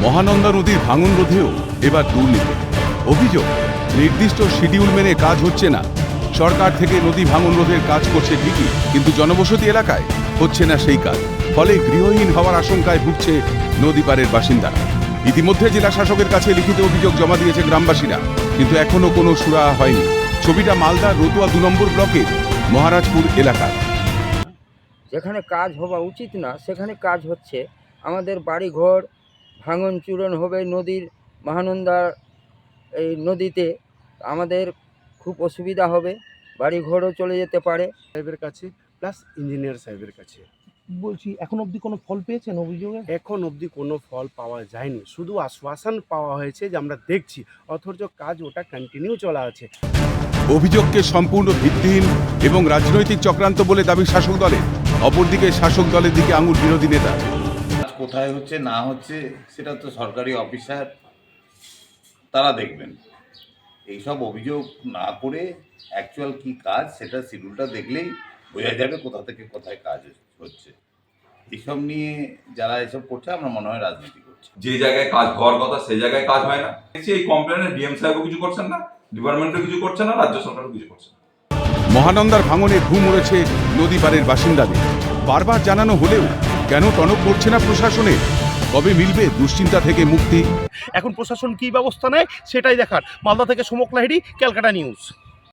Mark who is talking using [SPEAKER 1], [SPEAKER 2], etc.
[SPEAKER 1] মহানন্দা নদীর ভাঙন রোধেও এবার দুর্নীতি। অভিযোগ, নির্দিষ্ট শিডিউল মেনে কাজ হচ্ছে না। সরকার থেকে নদী ভাঙন রোধের কাজ করছে ঠিকই, কিন্তু জনবসতি এলাকায় হচ্ছে না সেই কাজ। ফলে গৃহহীন হওয়ার আশঙ্কায় ভুগছে নদী পাড়ের বাসিন্দারা। ইতিমধ্যে জেলা শাসকের কাছে লিখিত অভিযোগ জমা দিয়েছে গ্রামবাসীরা, কিন্তু এখনো কোনো সুরাহা হয়নি। ছবিটা মালদার রতুয়া 2 নম্বর ব্লকের মহারাজপুর এলাকা।
[SPEAKER 2] যেখানে কাজ হওয়া উচিত না সেখানে কাজ হচ্ছে। আমাদের বাড়িঘর ভাঙন চূরণ হবে নদীর মহানন্দা এই নদীতে, আমাদের খুব অসুবিধা হবে, বাড়িঘরও চলে যেতে পারে।
[SPEAKER 3] সাহেবের কাছে প্লাস ইঞ্জিনিয়ার সাহেবের কাছে
[SPEAKER 4] বলছি এখন অবধি কোনো ফল পেয়েছেন অভিযোগে?
[SPEAKER 3] এখন অবধি কোনো ফল পাওয়া যায়নি, শুধু আশ্বাসন পাওয়া হয়েছে যে আমরা দেখছি, অথচ কাজ ওটা কন্টিনিউ চলা আছে।
[SPEAKER 1] অভিযোগকে সম্পূর্ণ ভিত্তিহীন এবং রাজনৈতিক চক্রান্ত বলে দাবি শাসক দলের। অপরদিকে শাসক দলের দিকে আঙুল বিরোধী নেতা।
[SPEAKER 5] কোথায় হচ্ছে না হচ্ছে সেটা তো সরকারি অফিসার তারা দেখবেন। এইসব অভিযোগ না করে অ্যাকচুয়াল কি কাজ সেটা শিডিউলটা দেখলেই বোঝা যাবে কোথা থেকে কোথায় কাজ হচ্ছে। এইসব নিয়ে যারা এসব করছে আমার মনে হয় রাজনীতি করছে।
[SPEAKER 6] যে জায়গায় কাজ হওয়ার কথা সেই জায়গায় কাজ হয় না। এই কমপ্লেনে ডিএম সাহেবও কিছু করছেন না, ডিপার্টমেন্টও কিছু করছে না, রাজ্য সরকারও কিছু করছে না।
[SPEAKER 1] মহানন্দার ভাঙনে ঘুম উড়েছে নদী পাড়ের বাসিন্দাদের। বারবার জানানো হলেও কেন টনক পড়ছে না প্রশাসনের? কবে মিলবে দুশ্চিন্তা থেকে মুক্তি?
[SPEAKER 4] এখন প্রশাসন কি ব্যবস্থা নেয় সেটাই দেখার। মালদা থেকে সমক লাহিড়ী, ক্যালকাটা নিউজ।